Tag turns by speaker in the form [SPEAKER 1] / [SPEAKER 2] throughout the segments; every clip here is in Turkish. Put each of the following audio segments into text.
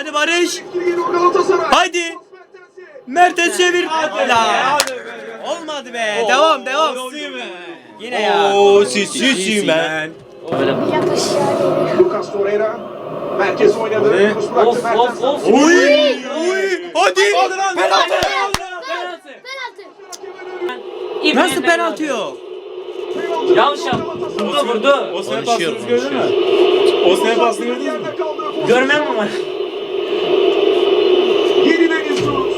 [SPEAKER 1] Hadi Barış. Haydi. Mertens çevir. La. Olmadı be. Devam. Yine ya.
[SPEAKER 2] Sisimen.
[SPEAKER 3] Lucas Torreira merkez oynadı. Yunus bıraktı Mertens.
[SPEAKER 1] Uy. Hadi. Penaltı. Nasıl penaltı yok?
[SPEAKER 4] Yanlış yap. Vurdu.
[SPEAKER 2] O sene pasını gördün mü? O sene pasını gördünüz mü?
[SPEAKER 4] Görmem mi var?
[SPEAKER 3] Yeniden izliyoruz.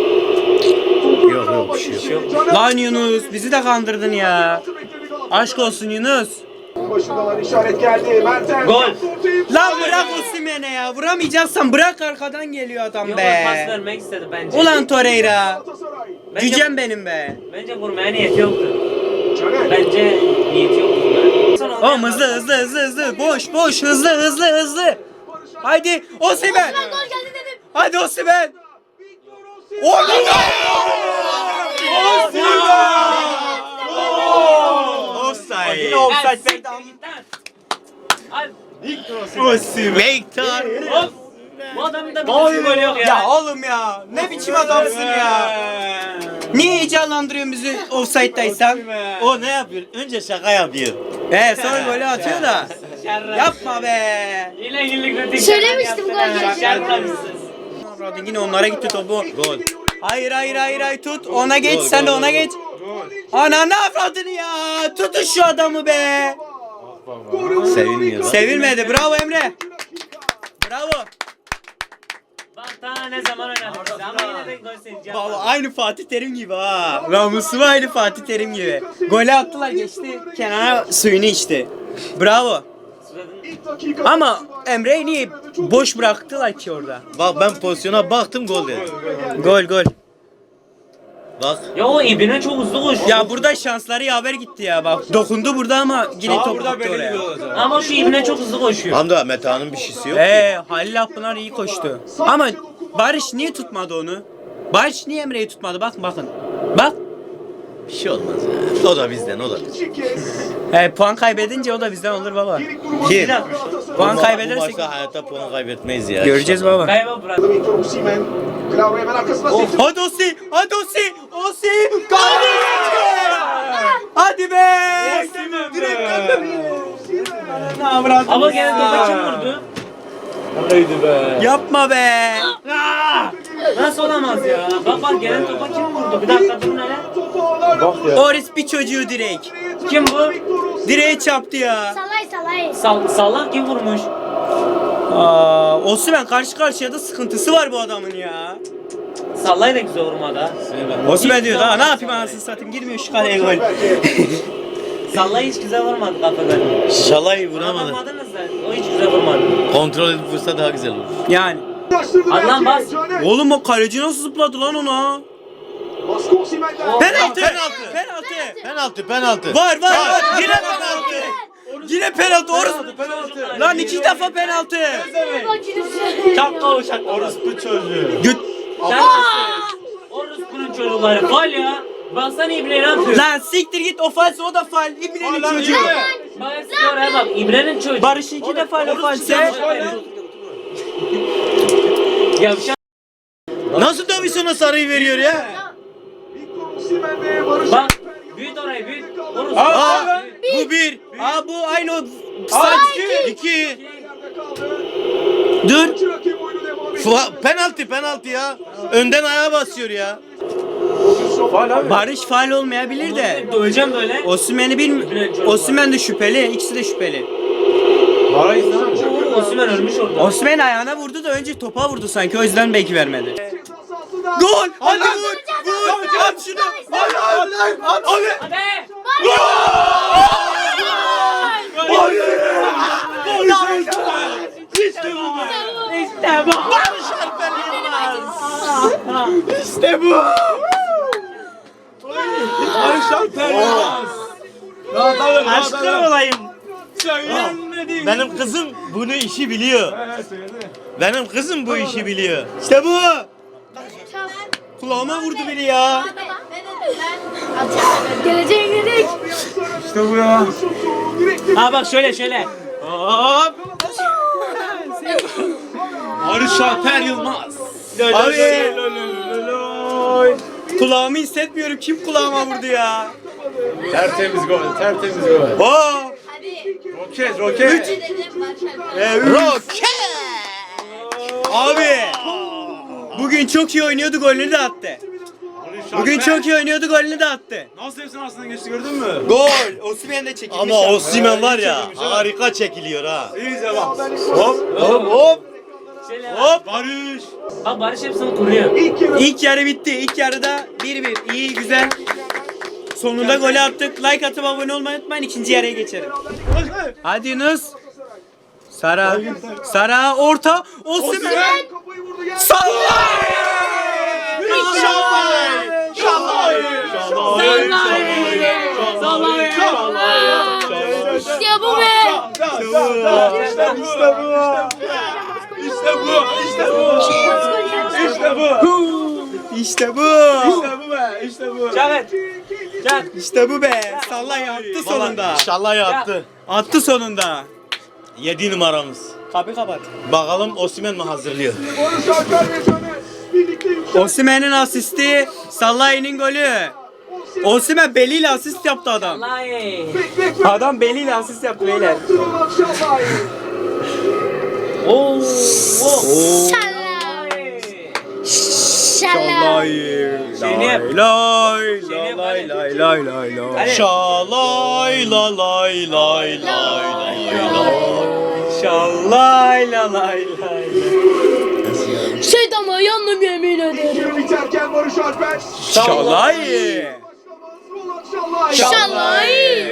[SPEAKER 2] Yok, bir şey yok.
[SPEAKER 1] Lan Yunus bizi de kandırdın ya. Aşk olsun Yunus.
[SPEAKER 3] Başındalar, işaret geldi. Mertens.
[SPEAKER 4] Gol.
[SPEAKER 1] Lan bırak Osimhen'e ya. Vuramayacaksan bırak, arkadan geliyor adam
[SPEAKER 4] Yok,
[SPEAKER 1] be.
[SPEAKER 4] pas vermek istedi bence.
[SPEAKER 1] Ulan Torreira.
[SPEAKER 3] Galatasaray.
[SPEAKER 1] Cücem benim be.
[SPEAKER 4] Bence vurmaya niyeti yoktu.
[SPEAKER 3] Caner.
[SPEAKER 4] Bence niyeti yoktu.
[SPEAKER 1] Oğlum hızlı. Boş hızlı. Haydi Osimhen. Hadi Osimhen. Offside. Yine offside verdi.
[SPEAKER 2] Mektar.
[SPEAKER 4] Bu adamın da bir golü yok ya.
[SPEAKER 1] Ya oğlum ya. Ne biçim adamsın ya. Niye heyecanlandırıyorsun bizi offside'daysan?
[SPEAKER 2] O ne yapıyor? Önce şaka yapıyor.
[SPEAKER 1] Sonra golü atıyor da. Yapma be.
[SPEAKER 4] Yine günlük rutin.
[SPEAKER 5] Söylemiştim gol gelecek.
[SPEAKER 1] Radin yine onlara gitti topu.
[SPEAKER 2] Gol.
[SPEAKER 1] Hayır tut. Ona geç,
[SPEAKER 2] Gol,
[SPEAKER 1] sen de
[SPEAKER 2] gol,
[SPEAKER 1] ona
[SPEAKER 2] gol.
[SPEAKER 1] geç. Ananı avradını ya. Tutun şu adamı be.
[SPEAKER 2] Sevinmiyor.
[SPEAKER 1] Sevilmedi. Bravo Emre. Bravo.
[SPEAKER 4] Bak daha ne zaman oynadık biz ama yine de gol sevineceğim.
[SPEAKER 1] Baba aynı Fatih Terim gibi ha. Namusu aynı Fatih Terim gibi. Golü attılar, geçti. Kenara suyunu içti. Bravo. Ama Emre'yi niye boş bıraktılar ki orada?
[SPEAKER 2] Bak ben pozisyona baktım gol dedi.
[SPEAKER 1] Gol.
[SPEAKER 2] Bak.
[SPEAKER 4] Ya o İbne çok hızlı koşuyor.
[SPEAKER 1] Ya burada şansları yaver gitti ya bak. Dokundu burada ama yine top gitti oraya.
[SPEAKER 4] Ama şu İbne çok hızlı koşuyor.
[SPEAKER 2] Hamda Meta'nın bir şeysi yok.
[SPEAKER 1] Halil Akpınar iyi koştu. Ama Barış niye tutmadı onu? Barış niye Emre'yi tutmadı? Bakın. Bak.
[SPEAKER 2] Bir şey olmaz ya. O da bizden.
[SPEAKER 1] Puan kaybedince o da bizden olur baba.
[SPEAKER 2] Kim?
[SPEAKER 1] Puan
[SPEAKER 2] Bu
[SPEAKER 1] kaybedersek
[SPEAKER 2] maçta hayatta puan kaybetmeyiz ya.
[SPEAKER 1] göreceğiz baba.
[SPEAKER 4] Kayba bırak.
[SPEAKER 3] Victor Osimhen. Klaus hemen arkasına sekti.
[SPEAKER 1] Hadi Osi. Hadi be.
[SPEAKER 4] Ama gene topa kim vurdu?
[SPEAKER 1] Yapma be.
[SPEAKER 4] Nasıl olamaz ya? Bak gelen topa kim vurdu? Bir dakika durun hele.
[SPEAKER 3] Topu ağlarla.
[SPEAKER 1] Oris bir çocuğu direkt.
[SPEAKER 4] Kim bu?
[SPEAKER 1] Direğe çarptı ya.
[SPEAKER 5] Salay.
[SPEAKER 4] Salak kim vurmuş?
[SPEAKER 1] Osimhen karşı karşıya da sıkıntısı var bu adamın ya.
[SPEAKER 4] Sallay da güzel vurmadı ha.
[SPEAKER 1] Osimhen diyor daha ne yapayım anasını satayım, girmiyor şu kaleye gol.
[SPEAKER 4] Sallay hiç güzel vurmadı kafadan.
[SPEAKER 2] Şalayı vuramadı.
[SPEAKER 4] Vurmadınız da o hiç güzel vurmadı.
[SPEAKER 2] Kontrol edip vursa daha güzel olur.
[SPEAKER 1] Yani.
[SPEAKER 4] Hadi lan bas.
[SPEAKER 1] Oğlum o kaleci nasıl zıpladı lan ona?
[SPEAKER 3] Baskı Osimhen'den.
[SPEAKER 1] Penaltı.
[SPEAKER 2] Penaltı.
[SPEAKER 1] Var. Yine penaltı. Yine penaltı. Lan 2 defa penaltı.
[SPEAKER 4] Şapka o şapka.
[SPEAKER 2] Orospu çocuğu.
[SPEAKER 4] Orospu'nun çocukları. Fal ya. Baksana İbne ne yapıyor?
[SPEAKER 1] Lan siktir git, ofans o da faul. İbne'nin çocuğu.
[SPEAKER 4] Bak oraya bak. İbne'nin çocuğu.
[SPEAKER 1] Barış 2 defa ofanse.
[SPEAKER 4] Yavşak.
[SPEAKER 2] Nasıl Davidson'a sarıyı veriyor ya?
[SPEAKER 3] Victor Osimhen ve Barış.
[SPEAKER 4] Bak. Büyüt orayı büyüt. Orası.
[SPEAKER 2] Bu bir.
[SPEAKER 1] Bu aynı o. Saç
[SPEAKER 2] 2.
[SPEAKER 3] Yerde kaldı.
[SPEAKER 1] Dur.
[SPEAKER 3] Maçı rakip oyunu devam ediyor.
[SPEAKER 2] Penaltı ya. Önden ayağa basıyor ya.
[SPEAKER 1] Barış faul olmayabilir de.
[SPEAKER 4] Döveceğim böyle.
[SPEAKER 1] Osimhen'i bilmiyorum. Osimhen de şüpheli. İkisi de şüpheli.
[SPEAKER 4] Osimhen ölmüş orada.
[SPEAKER 1] Osimhen ayağına vurdu da önce topa vurdu sanki, o yüzden belki vermedi. Gol! Hadi vur! Vur! At şunu! At!
[SPEAKER 4] Hadi. İşte bu.
[SPEAKER 1] İşte bu!
[SPEAKER 2] Aşkın olayım. Benim kızım bunu işi biliyor. Benim kızım bu işi biliyor.
[SPEAKER 1] İşte bu! Kulağıma vurdu biri ya.
[SPEAKER 5] Geleceğe girdik.
[SPEAKER 1] İşte bu ya.
[SPEAKER 4] Ha bak şöyle.
[SPEAKER 1] Hop!
[SPEAKER 2] Barış Alper Yılmaz.
[SPEAKER 1] Abi. Kulağımı hissetmiyorum. Kim kulağıma vurdu ya?
[SPEAKER 2] Tertemiz gol, tertemiz gol.
[SPEAKER 1] Oo.
[SPEAKER 2] Roket, roket.
[SPEAKER 1] Roket. Abi. Bugün çok iyi oynuyordu, golünü de attı. Bugün çok iyi oynuyordu, golünü de attı.
[SPEAKER 2] Nasıl hepsinin arasından geçti gördün mü?
[SPEAKER 1] Gol. Osimhen de çekilmiş.
[SPEAKER 6] Ama Osimhen var ya harika çekiliyor ha.
[SPEAKER 2] İyice bak.
[SPEAKER 6] Hop hop hop.
[SPEAKER 4] Şöyle
[SPEAKER 6] Hop.
[SPEAKER 2] Barış.
[SPEAKER 4] bak Barış hepsini kuruyor.
[SPEAKER 1] İlk yarı bitti. İlk yarıda 1-1. İyi, güzel. Sonunda golü attık. Like atıp abone olmayı unutmayın. İkinci yarıya geçelim. Hadi Yunus. Sara. Sara orta. Osimhen. Salla!
[SPEAKER 5] İşte bu be.
[SPEAKER 1] İşte bu.
[SPEAKER 4] Çak. Çak.
[SPEAKER 1] İşte bu be. Sallay attı sonunda.
[SPEAKER 6] İnşallah yaptı.
[SPEAKER 1] Attı sonunda.
[SPEAKER 6] 7 numaramız.
[SPEAKER 1] Kapı kapat.
[SPEAKER 6] Bakalım Osimhen mi hazırlıyor?
[SPEAKER 1] Osimhen'in asisti, Salah'ın golü. Osimhen beliyle asist yaptı adam.
[SPEAKER 4] Vallahi.
[SPEAKER 1] Adam beliyle asist yaptı beyler.
[SPEAKER 4] Oo.
[SPEAKER 5] Şallah. Şallah.
[SPEAKER 4] Şeyini yap.
[SPEAKER 1] Lay
[SPEAKER 4] Şeyini yap,
[SPEAKER 1] lay
[SPEAKER 4] hadi.
[SPEAKER 1] lay lay lay lay.
[SPEAKER 4] Hadi.
[SPEAKER 6] Şalay la lay lay lay lay lay.
[SPEAKER 1] Şallay la lay lay.
[SPEAKER 5] Şeytana yandım yemin ederim.
[SPEAKER 3] Biterken Barış Alper.
[SPEAKER 1] Şallay.
[SPEAKER 5] Şallah.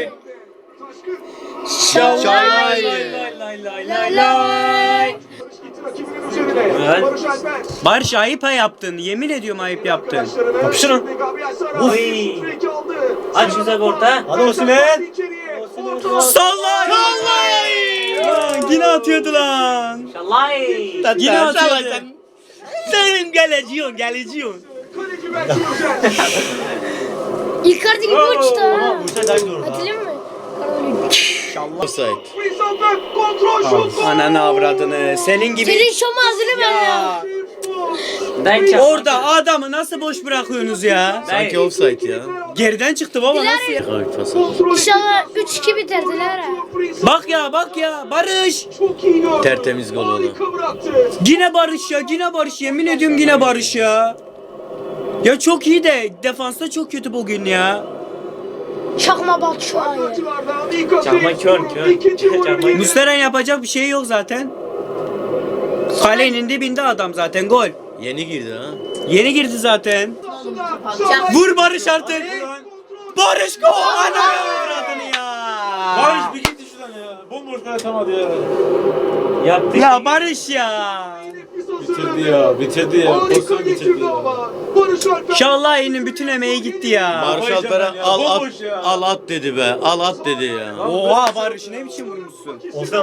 [SPEAKER 1] Şallay.
[SPEAKER 4] Lay lay lay lay lay. Evet.
[SPEAKER 3] Barış Alper.
[SPEAKER 1] Barış ayıp yaptın. Yemin ediyorum ayıp yaptın.
[SPEAKER 3] Kapışırın.
[SPEAKER 4] Oy. Aç güzel orta.
[SPEAKER 6] Hadi Osimhen.
[SPEAKER 1] Sallay. Lan yine atıyordu lan.
[SPEAKER 4] Şallay.
[SPEAKER 1] Yine atıyordu. Sen geleciyorsun.
[SPEAKER 5] Icardi gibi uçtu ha.
[SPEAKER 6] Bursa daha doğru.
[SPEAKER 5] Hatırlıyor musun?
[SPEAKER 6] Offside.
[SPEAKER 1] Ananı avradını. Senin gibi.
[SPEAKER 5] Senin şomu hazırım ben ya.
[SPEAKER 4] Dayı çak.
[SPEAKER 1] Orada adamı nasıl boş bırakıyorsunuz ya?
[SPEAKER 6] Sanki offside ya.
[SPEAKER 1] Geriden çıktı baba nasıl ya?
[SPEAKER 6] Ay pas.
[SPEAKER 5] İnşallah 3-2 bitirdiler ha.
[SPEAKER 1] Bak ya Barış.
[SPEAKER 6] Tertemiz gol oldu.
[SPEAKER 1] Yine Barış yemin ediyorum yine Barış ya. Ya çok iyi de defansta çok kötü bugün ya.
[SPEAKER 5] Çakma bak şu an ya.
[SPEAKER 4] Çakma kör. Çakma
[SPEAKER 1] Muslera'nın yapacak bir şey yok zaten. Kalenin dibinde adam zaten gol.
[SPEAKER 6] Yeni girdi ha.
[SPEAKER 1] Yeni girdi zaten. Vur Barış artık. Barış gol. Ananı avradını ya.
[SPEAKER 2] Barış bir gitti şuradan ya. Bomboş kale atamadı ya.
[SPEAKER 4] Yaptı.
[SPEAKER 1] Ya Barış ya.
[SPEAKER 2] Bitirdi ya. Pozisyon bitirdi ya.
[SPEAKER 1] Şallah'ın bütün emeği gitti ya.
[SPEAKER 6] Barış
[SPEAKER 2] Barış
[SPEAKER 6] Alper'e
[SPEAKER 2] ya,
[SPEAKER 6] al at,
[SPEAKER 2] bomboş ya.
[SPEAKER 6] al at dedi be. Al at dedi ya.
[SPEAKER 1] Oha Barış ne biçim vurmuşsun?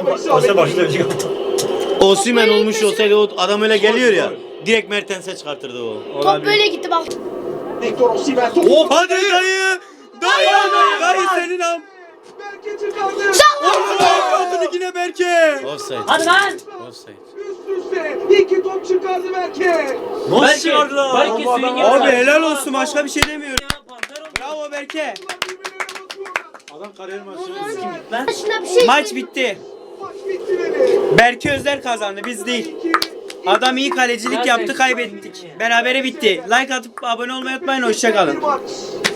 [SPEAKER 6] Osimhen olmuş olsaydı o adam öyle geliyor ya. Direkt Mertens'e çıkartırdı o.
[SPEAKER 5] Top böyle gitti bak.
[SPEAKER 3] Victor Osimhen top.
[SPEAKER 1] Hadi dayı. Dayı senin am.
[SPEAKER 3] Berke çıkardı.
[SPEAKER 1] Adını yine Berke.
[SPEAKER 6] Offside.
[SPEAKER 4] Hadi lan.
[SPEAKER 6] Offside.
[SPEAKER 3] Üst üste 2 top çıkardı Berke.
[SPEAKER 4] Belki suyun gibi.
[SPEAKER 1] Abi helal olsun başka bir şey demiyorum. Bravo Berke.
[SPEAKER 2] Adam kariyer maçı.
[SPEAKER 5] Şuna bir şey
[SPEAKER 1] Maç bitti.
[SPEAKER 3] Maç bitti dedi.
[SPEAKER 1] Berke Özler kazandı biz değil. Adam iyi kalecilik yaptı kaybettik. Berabere bitti. Like atıp abone olmayı unutmayın hoşça kalın.
[SPEAKER 3] Bir maç.